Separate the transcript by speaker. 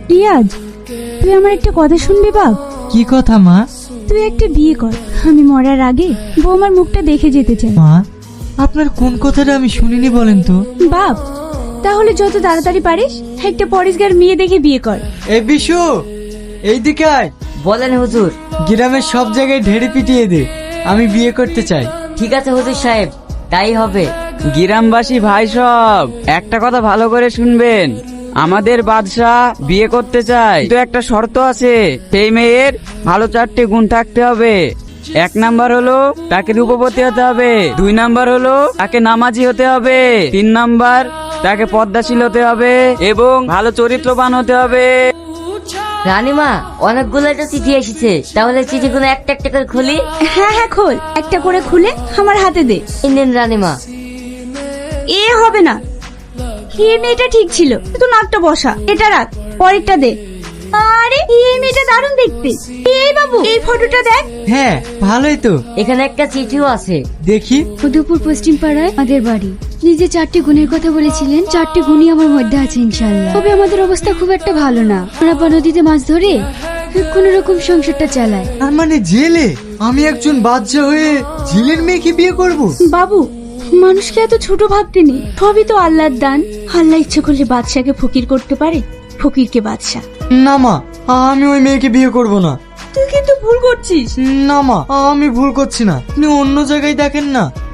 Speaker 1: রিয়াজ, তুই আমার একটা কথা শুনবি বাপ?
Speaker 2: কি কথা মা?
Speaker 1: তুই একটা বিয়ে কর, আমি মরার আগে বৌমার মুখটা দেখে যেতে চাই।
Speaker 2: মা, আপনার কোন কথাটা আমি শুনিনি বলেন তো?
Speaker 1: বাপ, তাহলে যত তাড়াতাড়ি পারিস একটা পরিষ্কার মেয়ে দেখে বিয়ে কর।
Speaker 2: এই বিশু, এইদিকে আয়।
Speaker 3: বলেন হুজুর।
Speaker 2: গ্রামের সব জায়গায় ঢেড়ে পিটিয়ে দে, আমি বিয়ে করতে চাই।
Speaker 3: ঠিক আছে হুজুর সাহেব, তাই হবে।
Speaker 4: গ্রামবাসী ভাই সব একটা কথা ভালো করে শুনবেন, আমাদের বাদশাহ বিয়ে করতে চায়, কিন্তু একটা শর্ত আছে। সেই মেয়ের ভালো 4টে গুণ থাকতে হবে। 1 নাম্বার হলো তাকে রূপবতী হতে হবে, 2 নাম্বার হলো তাকে নামাজি হতে হবে, 3 নাম্বার তাকে পদ্মাশীল হতে হবে এবং ভালো চরিত্রবান হতে হবে।
Speaker 3: রানীমা, অনেকগুলো তো চিঠি এসেছে, তাহলে চিঠিগুলো একটা একটা করে খুলি।
Speaker 1: হ্যাঁ হ্যাঁ, খোল, একটা করে খুলে আমার হাতে দে।
Speaker 3: এই নিন রানীমা।
Speaker 1: এ হবে না, এই মেয়েটা ঠিক ছিল, তুই নাকটা বসা, এটা রাখ, পরেরটা দে। আরে এই মেয়েটা দারুণ দেখতে। এই বাবু, এই ফটোটা দেখ।
Speaker 2: হ্যাঁ, ভালোই তো।
Speaker 3: এখানে একটা চিঠিও আছে।
Speaker 2: দেখি।
Speaker 5: মধুপুর পশ্চিম পাড়ায় আমাদের বাড়ি। নিজে 4টে গুণের কথা বলেছিলেন, 4টে গুণই আমার মধ্যে আছে ইনশাল্লাহ। তবে আমাদের অবস্থা খুব একটা ভালো না। আমরা নদীতে মাছ ধরে কোন রকম সংসারটা চালায়।
Speaker 2: তার মানে জেলে? আমি একজন বাদশা হয়ে জেলের মেয়েকে বিয়ে করব?
Speaker 1: বাবু, মানুষকে এত ছোট ভাবতে নেই, সবই তো আল্লাহর দান। আল্লাহ ইচ্ছে করলে বাদশাকে ফকির করতে পারে, ফকিরকে বাদশা।
Speaker 2: না মা, আমি ওই মেয়েকে বিয়ে করব না।
Speaker 1: তুই কিন্তু ভুল করছিস।
Speaker 2: না মা, আমি ভুল করছি না, আপনি অন্য জায়গায় দেখেন না।